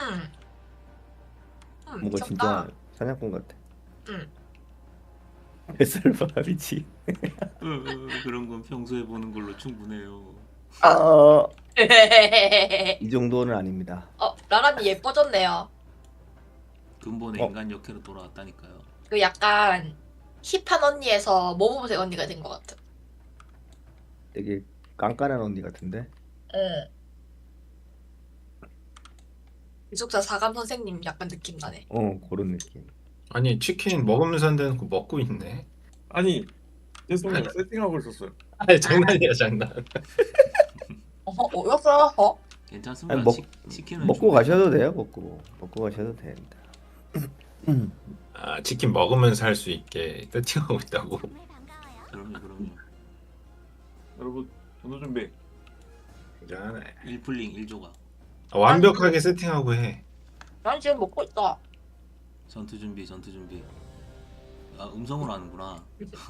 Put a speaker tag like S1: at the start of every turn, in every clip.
S1: 뭔가
S2: 미쳤다.
S1: 진짜 사냥꾼 같아.
S2: 응.
S1: 뱃살 봐 미치.
S3: 그런 건 평소에 보는 걸로 충분해요.
S1: 아, 이 정도는 아닙니다.
S2: 라라님 예뻐졌네요.
S3: 근본의
S1: 어,
S3: 인간 역회로 돌아왔다니까요.
S2: 그 약간 힙한 언니에서 모범생 언니가 된 것 같아.
S1: 되게 깐깐한 언니 같은데.
S2: 응. 기숙사 사감 선생님 약간 느낌 나네.
S1: 그런 느낌.
S4: 아니 치킨 먹으면서 한 데는 먹고 있네.
S5: 아니 죄송해요 세팅하고 있었어요.
S4: 아니 장난이야 장난.
S2: 어였어?
S3: 괜찮습니다.
S1: 아니,
S3: 치킨은
S1: 먹고
S3: 준비해서-
S1: 가셔도 돼요. 먹고 가셔도 됩니다.
S4: 아 치킨 먹으면서 할 수 있게 세팅하고 있다고.
S3: 그럼요.
S5: 여러분 전도 준비.
S4: 괜찮아.
S3: 1풀링 1조각.
S4: 완벽하게 세팅하고 해.
S2: 난 지금 먹고 있다.
S3: 전투 준비. 아, 음성으로 하는구나.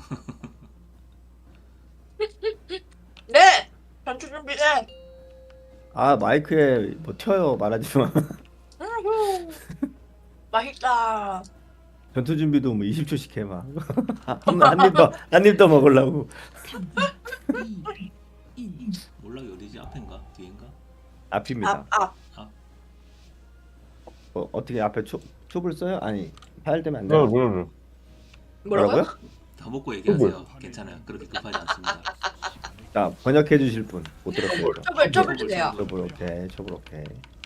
S2: 네! 전투 준비돼!
S1: 아 마이크에 뭐 튀어요 말하지 마.
S2: 맛있다.
S1: 전투 준비도 뭐 20초씩 해 막. 한 입 더 먹으려고.
S3: 몰락이 어디지? 앞인가? 뒤인가?
S1: 앞입니다.
S2: 아.
S1: 어떻게 앞에 촉을 써요? 아니 파열되면 안 돼요.
S2: 뭐라고요?
S3: 다 먹고 얘기하세요. 괜찮아요. 그렇게 급하지 않습니다.
S1: 자 번역해 주실 분 못 들었어요.
S2: 첩을 주세요.
S1: 촉을 오케이. 촉을 오케이.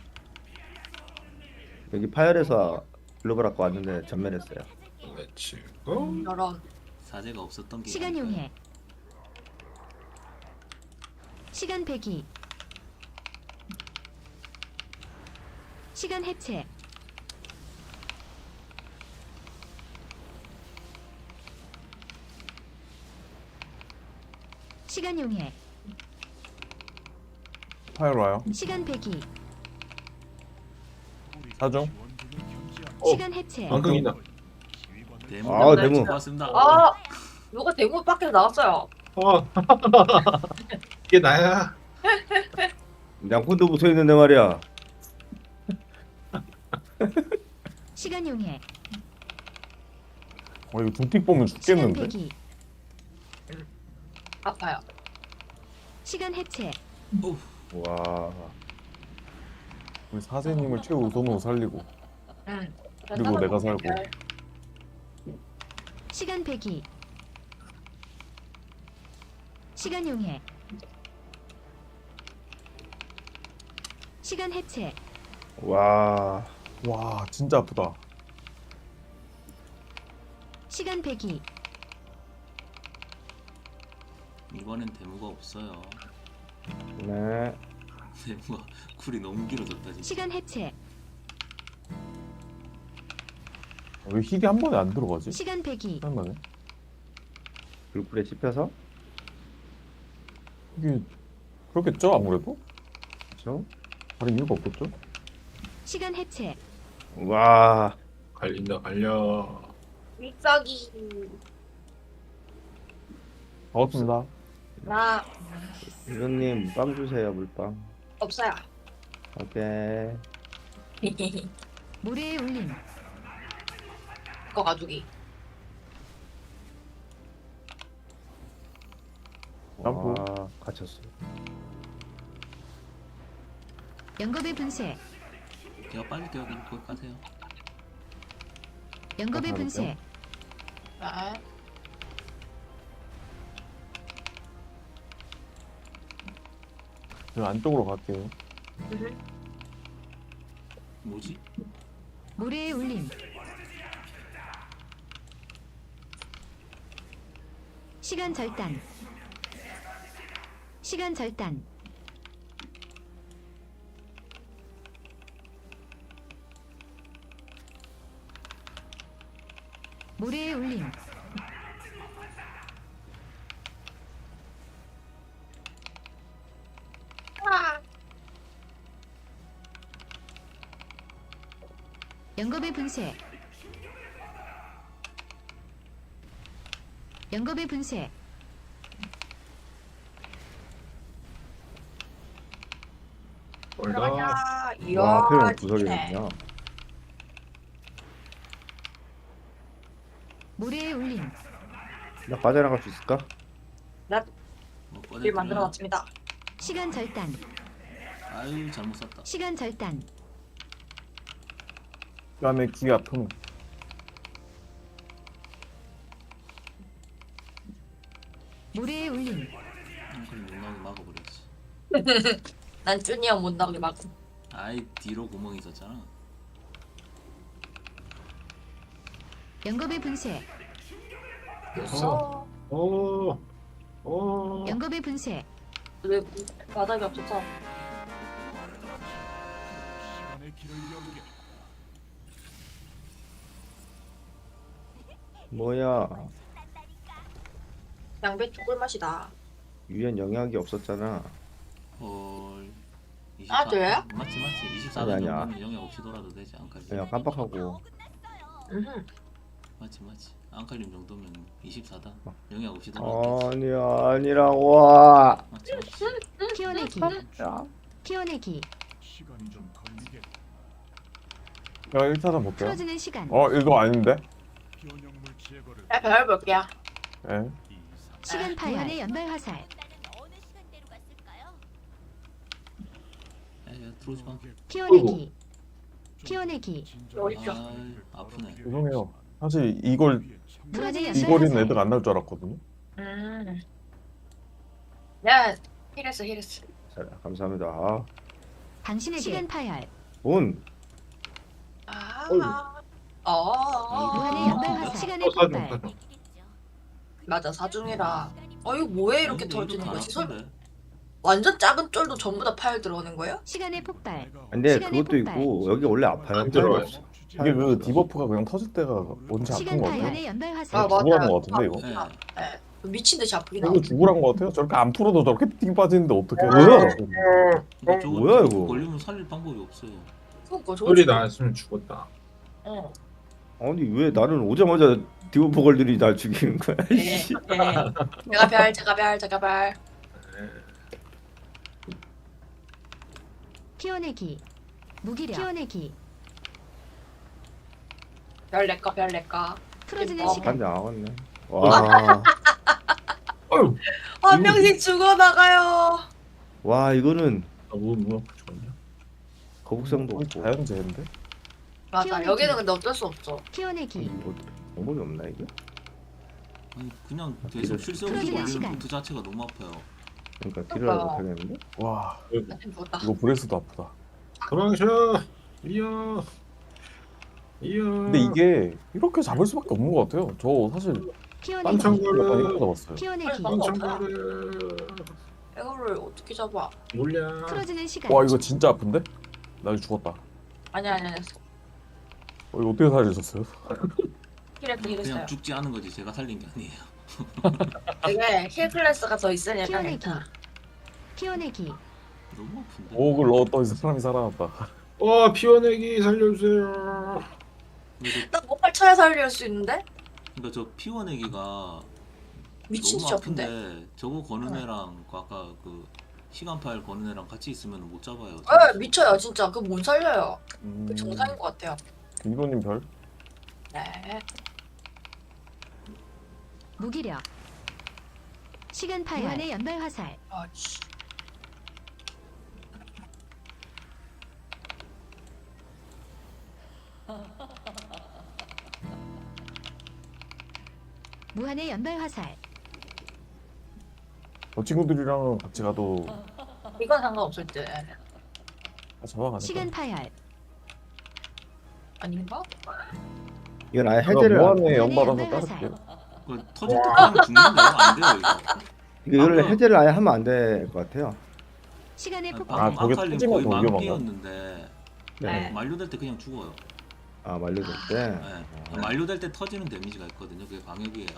S1: 여기 파열에서 글로벌 학과 왔는데 전멸했어요.
S4: 그렇지. 고.
S2: 이런.
S3: 사제가 없었던 게
S6: 시간 용해. 시간 배기. 시간 해체. 시간 용해.
S5: 파일 와요.
S6: 시간 배기.
S5: 사정.
S6: 시간 해체.
S4: 방금이다.
S1: 아, 대문.
S3: 고맙습니다.
S2: 누가 대문 밖에서 나왔어요.
S4: 이게 나야.
S1: 양푼도 붙어 있는데 말이야.
S6: 시간 용해.
S5: 이거 둠픽 보면
S6: 시간
S5: 죽겠는데.
S6: 배기.
S2: 아파요.
S6: 시간 해체.
S1: 와.
S5: 우리 사세님을 최우선으로 살리고.
S2: 응.
S5: 그리고 내가 살고.
S6: 시간 배기. 시간 용해. 시간 해체.
S1: 와.
S5: 와 진짜 아프다.
S6: 시간 배기.
S3: 이번엔 대무가 없어요.
S1: 네.
S3: 대무가 쿨이 너무 길어졌다 진짜.
S6: 시간 해체.
S5: 왜 힐이 한 번에 안 들어가지?
S6: 시간 배기.
S5: 잠깐만요.
S1: 불굴에 씹혀서.
S5: 이게 그렇겠죠 아무래도?
S1: 그렇죠?
S5: 다른 이유가 없겠죠?
S6: 시간 해체.
S1: 와.
S4: 갈린다 갈려.
S2: 믹서기.
S5: 반갑습니다.
S2: 나
S1: 이런님 빵 주세요 물빵.
S2: 없어요.
S1: 오케이.
S6: 모래의 울림.
S2: 그거 가족이.
S5: 점프.
S1: 와 갇혔어.
S6: 연겁의 분쇄.
S3: 제가 빠질게요. 그냥 거기 가세요.
S6: 연겁의
S1: 아,
S6: 분쇄.
S2: 아.
S5: 저 안쪽으로 갈게요.
S3: 뭐지?
S6: 모래의 울림. 시간 절단. 시간 절단. 모래의 울림. 연겁의 분쇄. 연겁의 분쇄.
S4: 올라.
S2: 들어가자. 이야,
S1: 와, 그냥
S2: 진짜.
S1: 구석이군요.
S6: 모래에 울림.
S1: 나 빠져나갈 수 있을까?
S2: 길 만들어놨습니다.
S6: 시간 절단.
S3: 아유 잘못 샀다.
S6: 시간 절단.
S5: 그다음에 기가 품.
S6: 모래에 울림.
S3: 그럼 못 나오게 막아버렸지.
S2: 난 쭈니 형 못 나오게 막.
S3: 아이 뒤로 구멍이 있었잖아.
S6: 영겁의 분쇄.
S2: 됐어.
S4: 오. 오.
S6: 영겁의 분쇄.
S2: 왜 바닥이 없어서.
S1: 뭐야?
S2: 양배추 꿀맛이다.
S1: 유엔 영향이 없었잖아.
S3: 헐.
S2: 아, 그래요?
S3: 맞지. 24단
S1: 아니, 아니야.
S3: 정도면 영역 없이 돌아도 되지. 안칼림.
S1: 그냥 깜빡하고.
S3: 맞지. 안칼림 정도면 24단 영역 없이 돌아도 되지.
S1: 아니야, 아니라고. 와.
S3: 맞지.
S6: 키워내기. 키워내기.
S5: 제가 1차전 볼게요.
S6: 풀어주는 시간.
S5: 이거 아닌데?
S2: 야, 별 볼게요.
S5: 예.
S6: 시간 파열. 무한의 연발 화살.
S3: 야 들어오지 마.
S6: 키워내기. 키워내기.
S2: 어딨죠?
S3: 아 아프네.
S5: 죄송해요. 사실 이걸
S6: 무한의
S5: 이
S6: 연발
S5: 거리는
S6: 화살.
S5: 애들 안 날 줄 알았거든요.
S2: 야, 힐했어.
S1: 자, 감사합니다. 아,
S6: 당신에게 시간 파열.
S1: 온.
S6: 무한의 연발 화살. 시간의
S4: 사준
S6: 폭발.
S4: 사준.
S2: 맞아, 사중이라. 이거 뭐해 이렇게
S3: 근데
S2: 터지는
S3: 이것도
S2: 거지?
S3: 안 아픈데?
S2: 완전 작은 쫄도 전부 다 파열 들어오는 거예요?
S6: 시간의 폭발.
S1: 근데
S6: 시간의
S1: 그것도
S6: 폭발.
S1: 있고 여기 원래 아파요.
S4: 안 들어와요.
S5: 이게 그 디버프가 그냥 터질 때가 뭔지 아픈
S6: 시간
S5: 거 같아요.
S6: 파열의 연발
S2: 아,
S6: 화살.
S2: 맞아.
S5: 죽으라는 거 같은데 이거?
S3: 네.
S2: 네. 미친 듯이 아프긴
S5: 이거
S2: 하고.
S5: 죽으란 거 같아요? 저렇게 안 풀어도 저렇게 띵 빠지는데 어떻게?
S1: 뭐야?
S3: 근데 저거
S1: 뭐야, 이거?
S3: 걸리면 살릴 방법이 없어요.
S2: 그러니까 저거
S4: 소리 나왔으면 죽었다.
S2: 어.
S1: 아니 왜 나는 오자마자 디오포걸들이 날 죽이는 거야?
S2: 네.
S1: 씨.
S2: 제가 별.
S6: 키워내기. 무기력. 키워내기.
S2: 별 내꺼.
S6: 풀어주는
S2: 어.
S6: 시간.
S1: 반장 나왔네. 와,
S4: 어휴.
S2: 한 명씩 죽어나가요.
S1: 와 이거는
S4: 뭐 죽었냐?
S1: 거북상도
S5: 거의
S1: 없고.
S5: 자연재해인데?
S2: 맞아.
S6: 키워내기.
S2: 여기는 근데 어쩔 수 없어.
S6: 키워내기.
S1: 뭐, 방법이 없나 이게?
S3: 아니 그냥 계속 실수없이
S6: 풀어주는
S3: 걸리는
S6: 시간.
S3: 루트 자체가 너무 아파요.
S1: 그러니까 딜을 못 하겠는데?
S5: 와
S2: 나 지금 죽었다.
S5: 이거 브레스도 아프다.
S4: 도망쳐. 이야.
S5: 근데 이게 이렇게 잡을 수밖에 없는 것 같아요. 저 사실
S6: 키워내기.
S5: 딴청구를 약간 이렇게 잡았어요.
S6: 키워내기.
S4: 깜짝거려.
S2: 이거를 어떻게 잡아?
S4: 몰려.
S6: 풀어주는 시간.
S5: 와 이거 진짜 아픈데? 나 이거 죽었다.
S2: 아니야.
S5: 이거 어떻게 살리셨어요?
S3: 그냥
S2: 힐했어요.
S3: 죽지 않은 거지 제가 살린 게 아니에요.
S2: 이게 힐 클래스가 더 있으니까
S6: 키워내기.
S2: 괜찮아.
S6: 키워내기.
S3: 너무 아픈데.
S5: 오글 넣었더니 사람이 살아났다.
S4: 피워내기 살려주세요.
S3: 근데
S2: 나 목발 쳐야 살릴 수 있는데?
S3: 그러니까 저 피워내기가
S2: 미친 듯이
S3: 너무
S2: 아픈데?
S3: 아픈데 저거 거는 애랑 그 아까 그 시간 파일 거는 애랑 같이 있으면 못 잡아요.
S2: 미쳐요 진짜. 그거 못 살려요.
S5: 음,
S2: 그 정상인 것 같아요.
S5: 이노님 별?
S2: 네.
S6: 무기력. 시간 파열. 무한의 연발 화살.
S2: 씨.
S6: 무한의 연발 화살.
S5: 저 친구들이랑 같이 가도
S2: 이건 상관없을 듯.
S5: 잡아가니까.
S6: 시간 파열.
S2: 아닌가?
S1: 이건 아예
S5: 제가
S1: 해제를 안-
S5: 무한의
S6: 무한의
S5: 연발아서
S6: 연발
S5: 따를게요.
S3: 그 터질 때 그냥 죽는데요? 안 돼요 이거.
S1: 이거를
S3: 방금-
S1: 해제를 아예 하면 안 될 것 같아요.
S6: 시간의
S3: 아니,
S6: 폭발.
S3: 방금
S5: 저게
S3: 아칼림
S5: 터지면
S3: 거의
S5: 더 위험한가?
S3: 만피였는데
S2: 네.
S3: 만료될 때 그냥 죽어요.
S1: 아 만료될 때.
S3: 네. 만료될 때 터지는 데미지가 있거든요. 그게 방역이에요.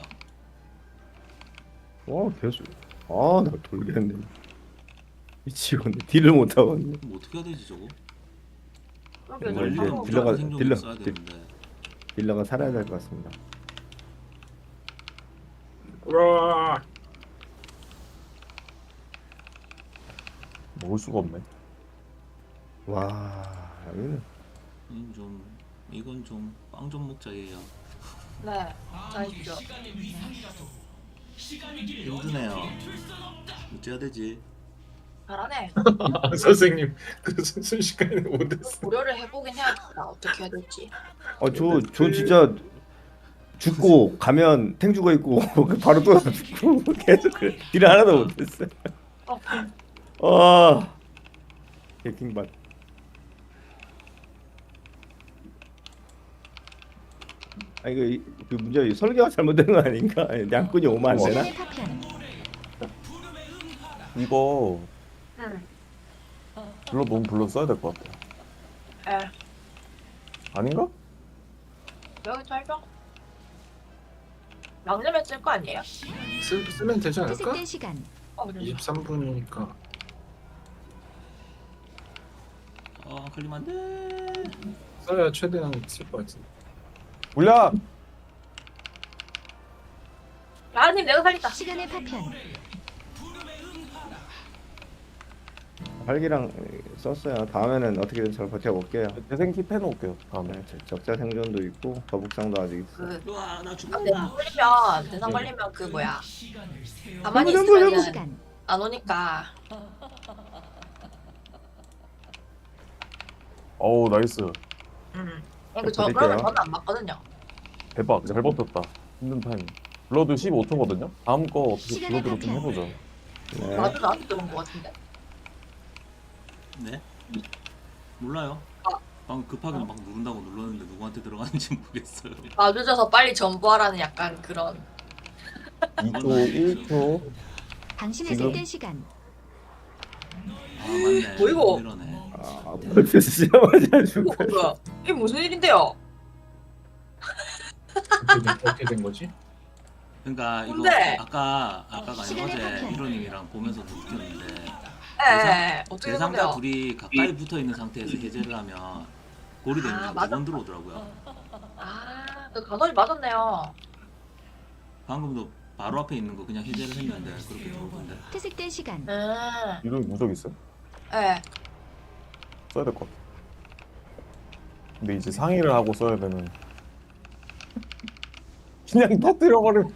S1: 와 계속. 아나 돌겠네. 미치겠네. 딜을 못 하겠네.
S3: 그럼 어떻게 해야 되지 저거?
S2: 그러게,
S1: 이거 이제
S2: 방금
S1: 딜러가-
S3: 생존
S1: 딜러-
S3: 써야 되는데.
S1: 딜러가 살아야 될 것 같습니다.
S4: 우와.
S5: 먹을 수가 없네.
S1: 와 여기는
S3: 이건 좀 빵 좀 먹자 얘야.
S2: 네. 잘했죠.
S3: 힘드네요. 어째야 되지?
S2: 잘하네.
S4: 선생님 그 순식간에 못했어.
S2: 고려를 해보긴 해야겠다. 어떻게 해야 될지.
S1: 저 진짜 죽고 가면 탱 죽어 있고 바로 또 죽고 계속 그래. 딜을 하나도 못했어요. 아 개킹받. 아 이거 그 문제 설계가 잘못된 거 아닌가? 양꾼이 오면 안 되나?
S6: 시간의 파편.
S5: 이거
S2: 응.
S5: 블러 너무 블러 써야 될 것 같아.
S2: 에.
S5: 아닌가?
S2: 여기 짧아. 양념에 쓸 거 아니에요?
S4: 쓰면 되지 않을까?
S6: 회색된 시간.
S4: 23분이니까.
S3: 아 걸리면 안 돼.
S4: 써야 최대한 쓸 것 같은데.
S5: 물약!
S2: 라님 내가 살렸다.
S6: 시간의 파편.
S1: 활기랑 썼어요. 다음에는 어떻게든 잘 버텨볼게요.
S5: 재생키 해놓을게요 다음에.
S1: 네, 적자 생존도 있고 거북상도 아직 있어.
S2: 그
S3: 우와 나
S2: 대상
S3: 죽는다.
S2: 걸리면 대상
S1: 네.
S2: 걸리면 그 뭐야. 가만히
S1: 한번
S2: 있으면
S6: 시간.
S2: 안 오니까.
S5: 어우 나이스.
S2: 이거 저
S1: 드릴게요.
S2: 그러면 저는 안 맞거든요.
S5: 대박 잘 버텼다. 힘든 타임. 블러드 15초거든요. 다음 거 어떻게
S6: 시간의
S5: 블러드로 좀
S6: 파편.
S5: 해보죠.
S1: 네.
S2: 나도 나한테 들은 거 같은데.
S3: 네? 몰라요. 방금 급하게 막 누른다고 눌렀는데 누구한테 들어가는지 모르겠어요.
S2: 아 늦어서 빨리 전부하라는 약간 그런.
S5: 2초, 1초.
S6: 당신의
S5: 지금?
S6: 삭된 시간.
S3: 아 맞네.
S2: 뭐 이거?
S3: 이러네.
S1: 아 벌써 시작하지
S2: 이거
S1: 않을까?
S2: 뭐야? 이게 무슨 일인데요?
S4: 어떻게 된 거지?
S3: 그러니까 이거
S2: 근데-
S3: 아까가 아니라
S6: 시간의
S3: 어제
S6: 파편.
S3: 이로님이랑 보면서도 느꼈는데
S2: 예. 어떻게 된
S3: 대상자
S2: 건데요?
S3: 둘이 가까이 붙어 있는 상태에서 해제를 하면 골이 되는 게
S2: 맞아.
S3: 2번 들어오더라고요.
S2: 그 간헐이 맞았네요.
S3: 방금도 바로 앞에 있는 거 그냥 해제를 했는데 그렇게 들어오던데.
S6: 회색된 시간.
S5: 이런 무적 있어요?
S2: 예.
S5: 써야 될 것 같아. 근데 이제 상의를 하고 써야 되는. 그냥 터뜨려버리면.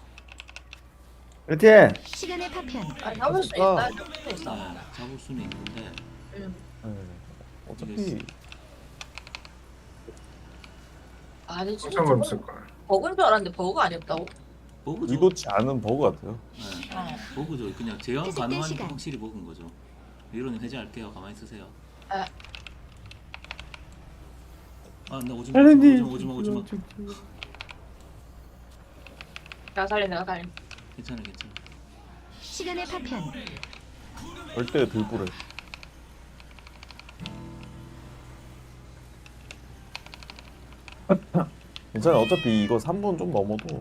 S1: 그렇지.
S6: 시간의 파편.
S2: 아니 잡을 수 있어요. 잡을 수 있어.
S3: 네, 잡을 수는 있는데
S5: 네. 어차피
S2: 아니 진짜
S4: 상관
S2: 저건
S4: 없을 거야.
S2: 버그인 줄 알았는데 버그 아니었다고?
S3: 버그죠.
S5: 의도치 않은 버그 같아요.
S3: 네, 버그죠. 그냥 제어
S6: 회색된
S3: 가능하니까
S6: 시간.
S3: 확실히 버그인 거죠. 이로님 해제할게요. 가만히 있으세요.
S2: 네.
S3: 아나 오지마
S1: 하나님.
S3: 오지마.
S2: 내가 살림.
S3: 괜찮아.
S6: 시간의 파편.
S5: 절대 들불에. 괜찮아. 어차피 이거 3분 좀 넘어도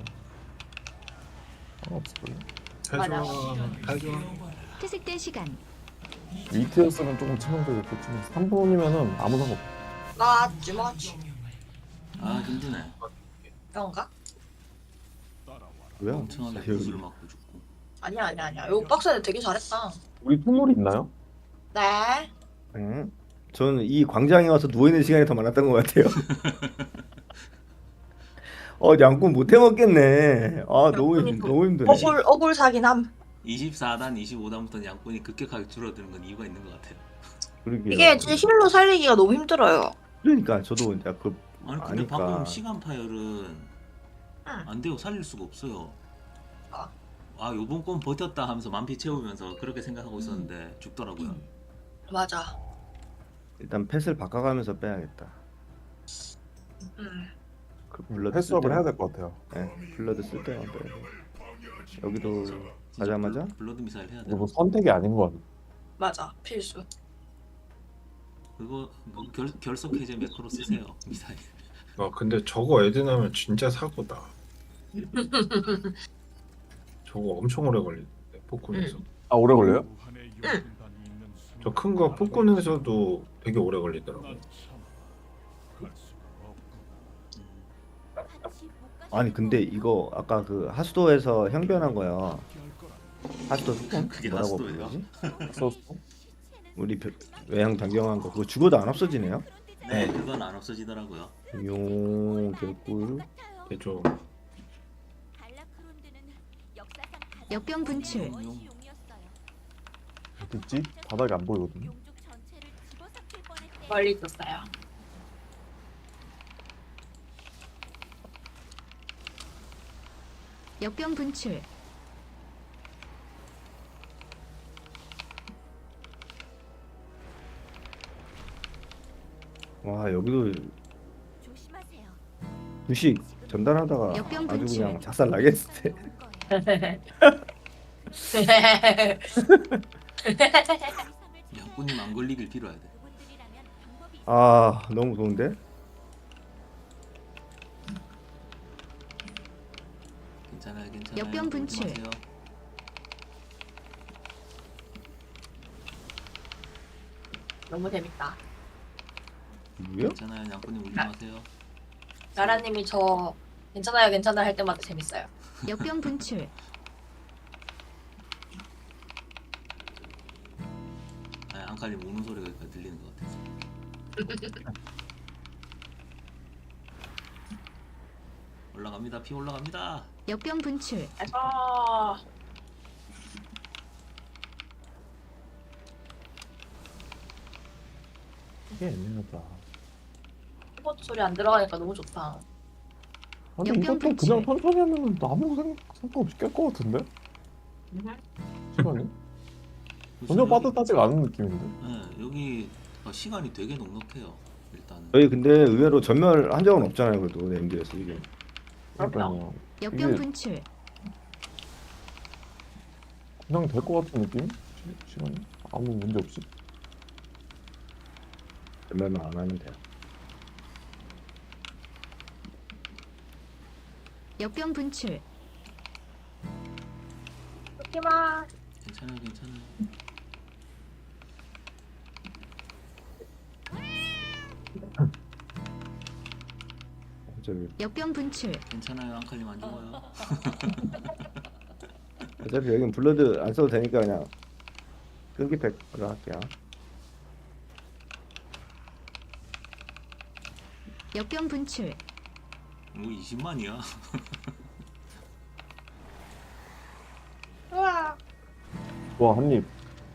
S5: 상관없을걸요.
S4: 잘 좋아. 잘 좋아.
S6: 회색된 시간.
S5: 위트였으면 조금 치명적이었겠지만 3분이면은 아무 상관 없어.
S2: 맞지.
S3: 아 힘드네.
S2: 그런가?
S1: 뭐야?
S3: 엄청나게
S1: 여기.
S3: 구슬을 맞고 죽고.
S2: 아니야. 요 박스는 되게 잘했다.
S5: 우리 투물이 있나요?
S2: 네.
S1: 응. 저는 이 광장에 와서 누워 있는 시간이 더 많았던 것 같아요. 양꾼 못 해먹겠네. 아 너무 힘드네.
S2: 억울 사긴 함.
S3: 24단, 25단부터는 양꾼이 급격하게 줄어드는 건 이유가 있는 것 같아요.
S1: 그러게요.
S2: 이게 진짜 힐로 살리기가 너무 힘들어요.
S1: 그러니까 저도 이제
S3: 아니 근데
S1: 아니까.
S3: 방금 시간 파열은 안 돼요. 살릴 수가 없어요. 아 요번 건 버텼다 하면서 만피 채우면서 그렇게 생각하고 있었는데 죽더라고요.
S2: 맞아.
S1: 일단 펫을 바꿔가면서 빼야겠다. 그 블러드
S5: 패스업을
S1: 쓸
S5: 해야
S1: 때만-
S5: 될 것 같아요.
S1: 네, 블러드 쓸 때만 빼야 돼. 여기도 가자마자
S3: 블러드 미사일 해야 돼.
S5: 이거 뭐 선택이 아닌 것 같아요.
S2: 맞아. 필수.
S3: 그거 결석 해제 매크로 쓰세요. 미사일.
S4: 근데 저거 에드나면 진짜 사고다. 저거 엄청 오래 걸리는데 폭군에서.
S5: 아 오래 걸려요?
S4: 저 큰 거 폭군에서도 되게 오래 걸리더라고.
S1: 아니 근데 이거 아까 그 하수도에서 형변한 거야. 하수도 소품?
S3: 그게
S1: 뭐라고
S3: 하수도예요?
S1: 부르지?
S5: 썼어?
S1: 우리 외형 변경한 거 그거 죽어도 안 없어지네요.
S3: 네, 그건 안 없어지더라고요.
S1: 용 개꿀.
S4: 대조.
S6: 역병 분출.
S5: 어딨지? 바닥이 안 보이거든요.
S2: 멀리 있었어요.
S6: 역병 분출.
S1: 와 여기도 주식 전달하다가
S6: 역병
S1: 아주
S6: 분출.
S1: 그냥 작살 나겠을 때.
S3: 양꾼님 안 걸리길 빌어야 돼.
S1: 아 너무 좋은데?
S3: 괜찮아요, 괜찮아요.
S6: 역병 분출.
S3: 울지 마세요.
S2: 너무 재밌다.
S1: 뭐야?
S3: 괜찮아요, 양꾼님 울지 마세요.
S2: 나라님이 저 괜찮아요 괜찮아요 할 때마다 재밌어요.
S6: 역병 분출.
S3: 아, 앙칼님 우는 소리가 여기까지 들리는 것 같아서. 올라갑니다. 피 올라갑니다.
S6: 역병 분출.
S2: 아,
S5: 이게 애매하다.
S2: 키보드 소리 안 들어가니까 너무 좋다.
S5: 근데
S6: 역병
S5: 이것도
S6: 분출.
S5: 그냥 천천히 하면 아무 상관없이 깰 것 같은데? 시간이? 전혀
S3: 여기-
S5: 빠듯하지가 않은 느낌인데?
S3: 네, 여기 시간이 되게 넉넉해요. 일단은.
S1: 저희 근데 의외로 전멸한 적은 없잖아요. 그래도 MD에서 이게.
S5: 그러니까요.
S6: 역병
S5: 이게-
S6: 분출.
S5: 그냥 될 것 같은 느낌? 시간이? 아무 문제 없이?
S1: 전멸만 안 하면 돼요.
S6: 역병 분출.
S2: 하지마.
S3: 괜찮아요, 괜찮아요.
S1: 어차피,
S6: 역병 분출.
S3: 괜찮아요, 앙칼님 안 죽어요.
S1: 어차피 여긴 블러드 안 써도 되니까 그냥 끈기 팩으로 할게요.
S6: 역병 분출.
S3: 뭐 20만이야.
S2: 우와.
S5: 와, 한 입.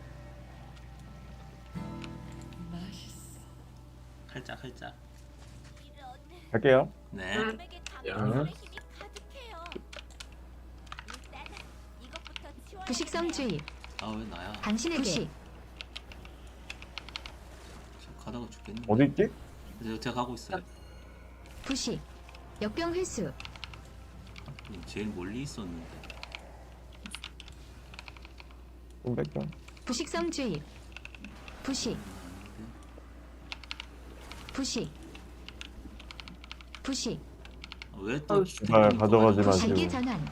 S3: 칼짝.
S5: 갈게요.
S3: 네.
S4: 야.
S6: 부식성주의.
S3: 아, 왜 나야?
S6: 당신에게. 부식.
S3: 저 가다가 죽겠네.
S5: 어디 있지?
S3: 제가 가고 있어요.
S6: 부식. 역병 회수.
S3: 제일 멀리 있었는데.
S5: 좀 뺄게요.
S6: 부식성주의. 부식. 부식. 부식.
S3: 왜또
S2: 어우,
S5: 제발 가져가지 마시고.
S6: 단계 전환.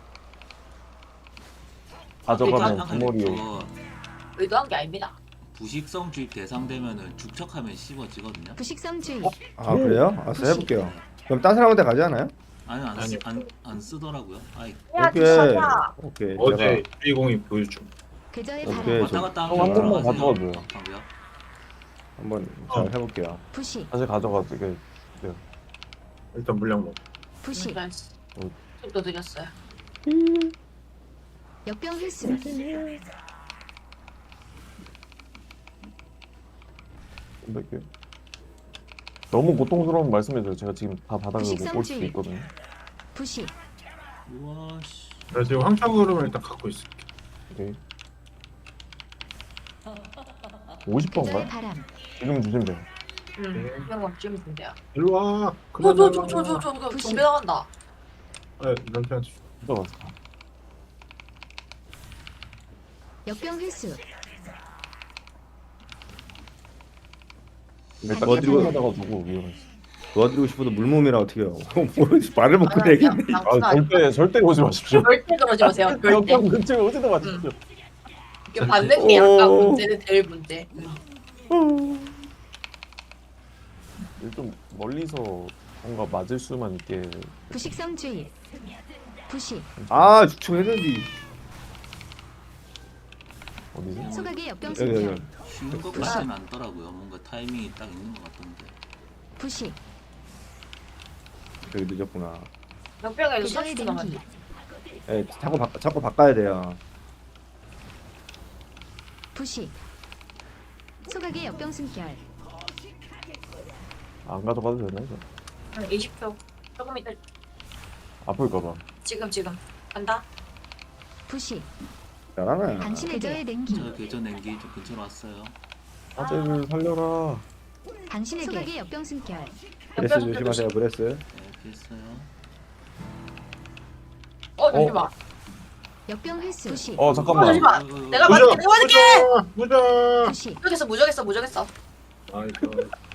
S5: 가져가면 주머니요.
S2: 의도한 게 아닙니다.
S3: 부식성 주입 대상되면은 죽척하면 씹어지거든요.
S6: 부식성주의.
S1: 아 그래요? 알았어 해볼게요. 그럼 딴 사람한테 가지 않아요?
S3: 아니
S4: 아니요.
S3: 안 쓰더라고요. 아이
S2: 야,
S1: 오케이.
S2: 진짜.
S1: 오케이.
S4: 어제 주인공이 보여줌.
S6: 그저의
S1: 오케이,
S6: 바람.
S3: 왔다 갔다
S5: 형, 한 번만
S3: 들어가세요.
S5: 가져가줘요.
S3: 방금.
S1: 한번 잘 해볼게요.
S6: 부식.
S5: 다시 가져가도 이게
S4: 일단 물량 먹.
S6: 부식.
S2: 좀더 드렸어요.
S6: 역병 회수.
S5: 좀 뺄게요. 너무 고통스러운 말씀해줘요. 제가 지금 다 바닥을 못 볼 수도
S6: 부식성주의.
S5: 있거든요.
S6: 부식.
S3: 우와 씨.
S4: 그래서 지금 황차 그룹을 일단 갖고 있을게.
S5: 오케이.
S6: 그저의
S5: 50번인가요?
S6: 바람.
S5: 지금 주시면 돼요.
S2: 이런 건 찌면 된대요.
S4: 일로 와. 그만.
S2: 저저저저저
S6: 부식.
S2: 좀비 나간다.
S4: 아, 남편한테 줘.
S5: 들어가서.
S6: 역병 회수.
S5: 일단
S1: 어디로-
S5: 가다가 두고 위험했어.
S1: 도와드리고 싶어도 물몸이라 어떻게 해요? 말을 못고 얘기했네.
S5: 아, 절대 오지 마십시오.
S2: 절대 그러지 마세요. 절대.
S5: 역경 근처에 오지도 마십시오.
S2: 이게 받는 게 약간
S1: 오.
S2: 문제는 제일 문제.
S5: 좀 멀리서 뭔가 맞을 수만 있게
S6: 부식성주의. 부식.
S1: 아 죽초 했는데.
S5: 어디지?
S6: 소각의 역병
S1: 여기
S6: 승결.
S1: 여기.
S3: 쉬운 것 같지는 않더라고요. 뭔가 타이밍이 딱 있는 것 같던데.
S6: 부식.
S1: 여기 늦었구나.
S2: 역병에도
S6: 대장의
S2: 30초
S6: 냉기.
S2: 남았네.
S1: 예, 자꾸 바꿔야 돼요.
S6: 부식. 소각의 역병 승결.
S5: 안 가져가도 되나 이거?
S2: 20초. 조금 이따
S5: 아플까봐.
S2: 지금 간다.
S6: 부식.
S1: 잘하네.
S6: 당신의 계좌의 냉기.
S3: 저 계좌 냉기 좀 근처로 왔어요.
S5: 아재를 살려라.
S6: 당신의 소각의 역병 승결.
S1: 브레스 조심하세요. 브레스.
S3: 네, 피했어요.
S2: 잠시만.
S6: 역병 횟수. 부식.
S5: 잠깐만.
S2: 잠시만. 내가 맞을게.
S4: 무적.
S6: 부식.
S2: 무적했어.
S4: 아이고.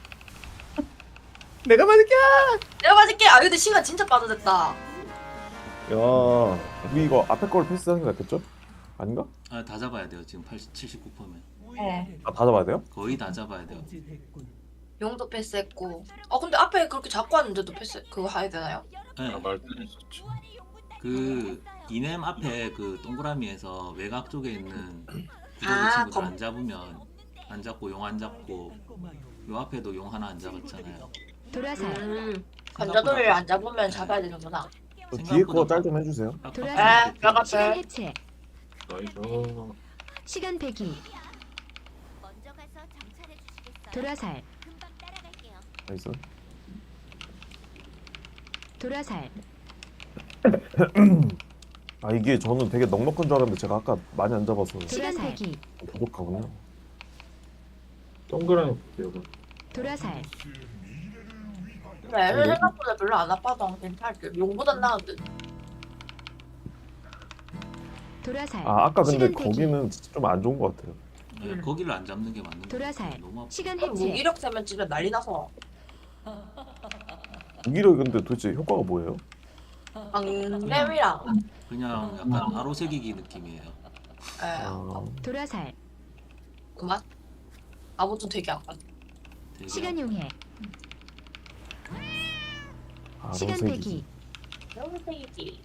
S1: 내가 맞을게.
S2: 내가 맞을게. 아 근데 시간 진짜 빠져졌다.
S1: 야,
S5: 우리 이거 앞에 걸 패스하는 거 같겠죠? 아닌가?
S3: 아, 다 잡아야 돼요. 지금 79%면.
S2: 네.
S5: 다 잡아야 돼요?
S3: 거의 다 잡아야 돼요.
S2: 용도 패스했고. 근데 앞에 그렇게 잡고 왔는데도 패스 그거 해야 되나요?
S3: 네.
S4: 말도 했었죠.
S3: 그 이넴 앞에 그 동그라미에서 외곽 쪽에 있는 구조의 친구들
S2: 검.
S3: 안 잡으면 안 잡고 용 안 잡고 요 앞에도 용 하나 안 잡았잖아요.
S6: 도라살.
S2: 관자놀이를 안 잡으면 잡아야 되는구나.
S5: 저 뒤에 거 짤 좀 해주세요.
S6: 돌아서.
S2: 뼈가
S6: 시간
S2: 빼.
S6: 해체.
S4: 나이스.
S6: 시간 배기.
S7: 먼저 가서 정찰해 주시겠어요?
S6: 도라살.
S7: 금방 따라갈게요.
S5: 나이스.
S6: 도라살.
S5: 아 이게 저는 되게 넉넉한 줄 알았는데 제가 아까 많이 안 잡아서
S6: 시간 배기.
S5: 부족하군요.
S4: 동그라미 볼게요.
S6: 도라살.
S2: 근데 애들 생각보다 별로 안 아파서 괜찮을 듯. 용보단 나은 듯.
S6: 도라살.
S5: 아 아까 근데
S6: 시간 배기.
S5: 거기는 진짜 좀 안 좋은 것 같아요.
S3: 네, 거기를 안 잡는 게 맞는 거
S6: 도라살.
S3: 같아요. 너무 아파.
S6: 시간 해체.
S2: 무기력 세면 진짜 난리 나서.
S5: 무기력이 근데 도대체 효과가 뭐예요?
S2: 방냄이랑.
S3: 그냥 약간 아로새기기 느낌이에요.
S5: 아,
S6: 도라살.
S2: 그만. 아무튼 되게 아파.
S3: 되게
S6: 시간 용해.
S5: 아
S6: 시간
S5: 로색이지.
S6: 배기.
S2: 너무 세이지.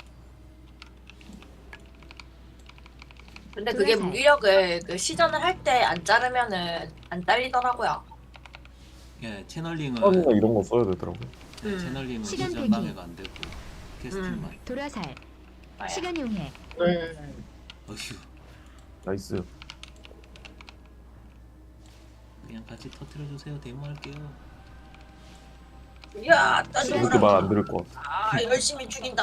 S2: 근데 그게
S6: 도라살.
S2: 무기력을 그 시전을 할 때 안 자르면은 안 잘리더라고요.
S3: 예, 채널링은
S5: 처음이나 이런 거 써야 되더라고요.
S3: 채널링은
S6: 시간
S3: 시전
S6: 배기.
S3: 방해가 안 되고 캐스팅만.
S6: 도라살.
S2: 맞아요.
S6: 시간 용해.
S4: 네.
S3: 어휴,
S5: 나이스.
S3: 그냥 같이 터트려 주세요. 데모할게요.
S2: 이야,
S5: 그렇게
S2: 따지라.
S5: 말 안 들을 것 같아.
S2: 아, 열심히 죽인다.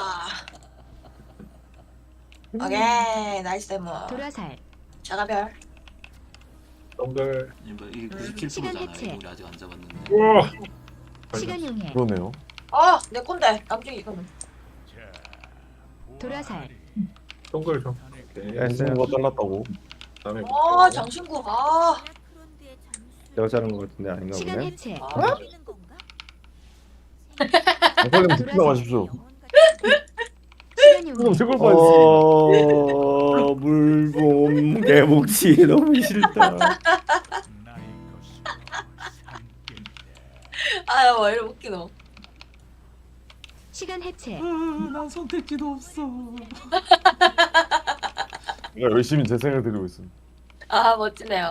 S2: 오케이, 나이스 데모.
S6: 도라살.
S2: 자가별.
S4: 동글.
S3: 이게
S6: 시간
S3: 97%잖아요.
S6: 해체.
S3: 우리 아직 안 잡았는데.
S4: 우와.
S6: 시간 용해.
S5: 그러네요.
S2: 내 건데. 남중이 이거는.
S6: 도라살.
S4: 동글 좀. 오케이.
S1: 네.
S5: 무슨 거 잘랐다고.
S4: 다음에 볼게요.
S2: 장신구.
S7: 라크론드의 잠수.
S1: 내가 자른 것 같은데 아닌가
S6: 시간
S1: 보네.
S6: 해체.
S7: 보이는 건가?
S5: 선생님 듣지 마십시오.
S7: 영혼 같은
S6: 시간 용해.
S5: 제걸 봐야지.
S1: 물봄 개복치 너무 싫다.
S2: 아유, 왜 이렇게 웃기노.
S6: 시간 해체.
S3: 난 선택지도 없어.
S5: 제가 열심히 재생을 드리고 있습니다.
S2: 멋지네요.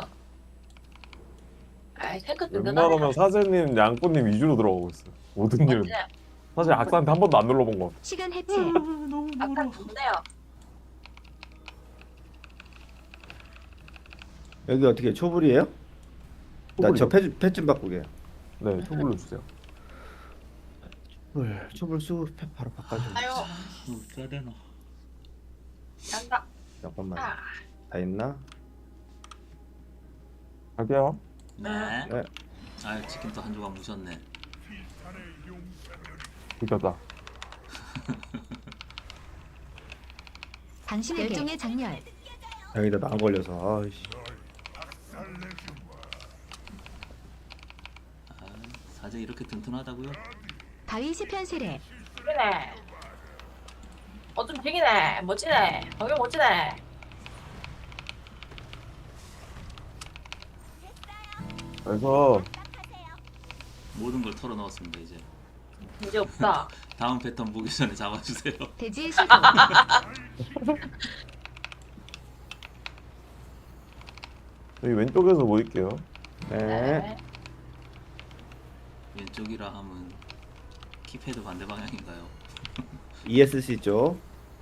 S2: 아이, 탱크
S5: 웬만하면 사제님, 양꼬님 위주로 들어가고 있어요. 모든 일은.
S2: 멋지네요.
S5: 사실 악사한테 한 번도 안 눌러본 것 같아.
S6: 시간 해체.
S3: 너무
S2: 아까
S3: 멀어.
S2: 좋네요.
S1: 여기 어떻게 초불이에요? 나 저 패 좀 바꾸게.
S5: 네, 초불로 주세요.
S1: 초불 쓰고 패 바로 바꿔줘.
S2: 아유,
S3: 써야 되나?
S2: 간다.
S1: 잠깐만.
S2: 아,
S1: 다 있나?
S5: 갈게요.
S3: 네.
S1: 네.
S3: 아, 치킨 또 한 조각 무셨네.
S5: 이겼다.
S6: 당신에게 열정의 장렬.
S1: 여기다 나 걸려서. 아이씨.
S3: 아, 사제 이렇게 튼튼하다고요?
S6: 바위 세편 세례.
S2: 죽이네. 좀 죽이네. 멋지네. 방금 멋지네.
S5: 그래서
S3: 모든 걸 털어 넣었습니다. 이제
S2: 이제 없다.
S3: 다음 패턴 보기 전에 잡아주세요.
S6: 대지의 시도.
S5: 여기 왼쪽에서 모일게요.
S1: 네.
S3: 왼쪽이라 하면 키패드 반대 방향인가요?
S1: ESC 쪽.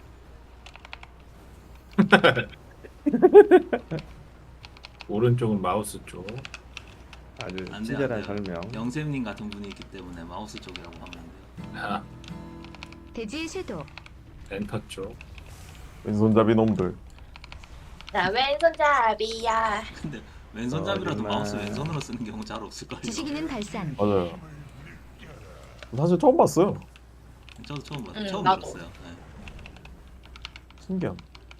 S4: 오른쪽은 마우스 쪽.
S1: 아주
S3: 안 돼요,
S1: 친절한
S3: 안 돼요.
S1: 설명.
S3: 영쌤님 같은 분이 있기 때문에 마우스 쪽이라고 하면 안 돼요.
S4: 아,
S6: 대지의 쇄도.
S4: 엔터 쪽.
S5: 왼손잡이 놈들.
S2: 나 왼손잡이야.
S3: 근데 왼손잡이라도
S1: 정말.
S3: 마우스 왼손으로 쓰는 경우 잘 없을걸요.
S6: 지식인은 발산.
S5: 맞아요. 사실 처음 봤어요.
S3: 저도 처음 봤어요.
S2: 응,
S3: 처음
S2: 나도.
S3: 들었어요. 네.
S5: 신기함.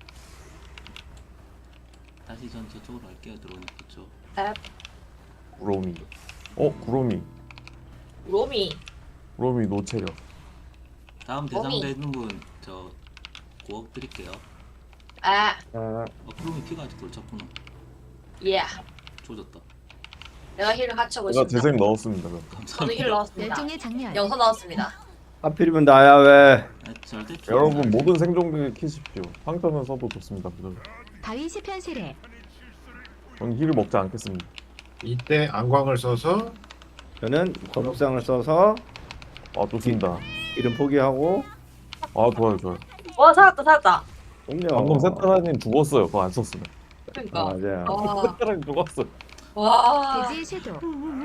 S3: 다시 전 저쪽으로 갈게요. 들어오니까 그쪽.
S5: 구로미. 구로미.
S2: 로미.
S5: 노체력.
S3: 다음
S2: 몸이.
S3: 대상 되는 분 저 9억 드릴게요.
S2: 아,
S1: 아,
S3: 그러면 피가 아직 돌쳤구나.
S2: 예.
S3: 조졌다.
S2: 내가 힐을 같이 하고
S5: 제가
S2: 있습니다.
S5: 재생 넣었습니다. 그럼.
S2: 저도
S3: 감사합니다.
S2: 힐 넣었습니다.
S6: 열정의 장렬.
S2: 영서 넣었습니다.
S1: 하필이면 나야 왜?
S3: 네, 절대
S5: 여러분 모든 생존기 키십시오. 황터는 써도 좋습니다. 그죠?
S6: 바위 시편 세례.
S5: 전 힐을 먹지 않겠습니다.
S4: 이때 안광을 써서
S1: 저는 거북상을 써서
S5: 좋습니다.
S1: 이름 포기하고
S5: 좋아요.
S2: 와, 살았다.
S1: 옴녀.
S5: 방금 세타라님 죽었어요. 그거 안 썼으면.
S2: 그러니까.
S1: 맞아요.
S2: 와.
S5: 세타라님 죽었어요.
S2: 와.
S6: 대지의 쇄도.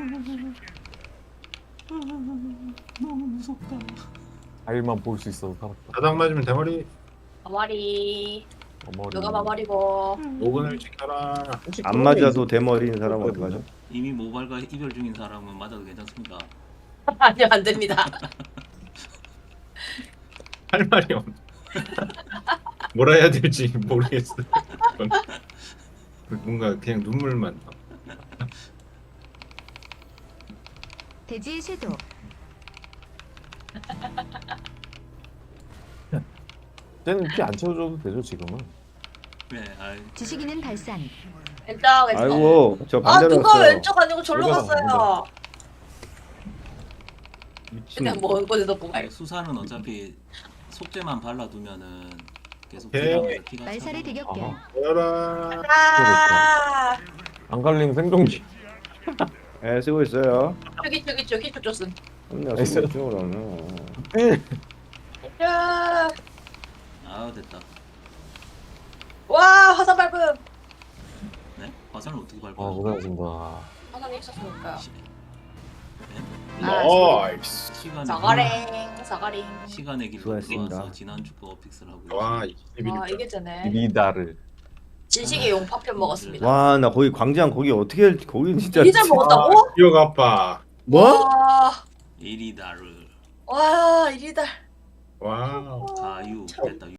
S3: 너무 무섭다.
S5: 아일만 볼 수 있어서 살았다.
S4: 바닥 맞으면 대머리.
S2: 마마리.
S5: 어머리.
S2: 누가 마마리고.
S4: 오근을 지켜라.
S5: 혹시
S1: 안
S5: 그런 게
S1: 맞아도 대머리인 사람 어디 가죠?
S3: 이미 모발과 이별 중인 사람은 맞아도 괜찮습니까?
S2: 아니요, 안 됩니다.
S4: 할 말이 없. 뭐라 해야 될지 모르겠어. 뭔가 그냥 눈물만 나.
S6: 대지의 쇄도.
S5: 쟤는 피 안 채워줘도 되죠 지금은.
S3: 네,
S6: 지식인은 발산.
S2: 왼쪽.
S1: 아이고 저
S2: 아,
S1: 반대로
S2: 누가
S1: 갔어요.
S2: 왼쪽 아니고 절로
S5: 여기가
S2: 갔어요.
S1: 미친.
S2: 그냥 먼 곳에서 보가
S3: 수사는 어차피 속죄만 발라두면은 계속
S4: 오케이.
S3: 딜하면서 피가
S6: 말살의
S3: 차고.
S6: 대격변.
S4: 보여라.
S2: 아,
S5: 안갈림 생존기.
S1: 네, 쓰고 있어요.
S2: 저기 히트 줬음.
S1: 옴녀
S5: 나이스.
S1: 쓰고 있죠.
S2: 야,
S3: 아 됐다.
S2: 와, 화산 밟음.
S3: 네? 화살을 어떻게 밟아요?
S5: 고생하셨습니다.
S2: 화산이 있었으니까.
S3: 네?
S4: 나이스.
S2: 사가랭.
S3: 시간의 길로
S1: 수고하셨습니다.
S3: 들어와서 지난주 거 픽스를 하고
S4: 와,
S3: 있어요.
S2: 와,
S4: 21점.
S2: 이게 되네.
S5: 리다를.
S2: 진식의 용파편 먹었습니다.
S1: 와, 나 거기 광장 거기 어떻게 거기 진짜.
S2: 이게 잘 먹었다고?
S4: 기억 아빠.
S1: 뭐?
S3: 이리다를
S2: 와, 이리다.
S4: 와우.
S3: 가유 됐다.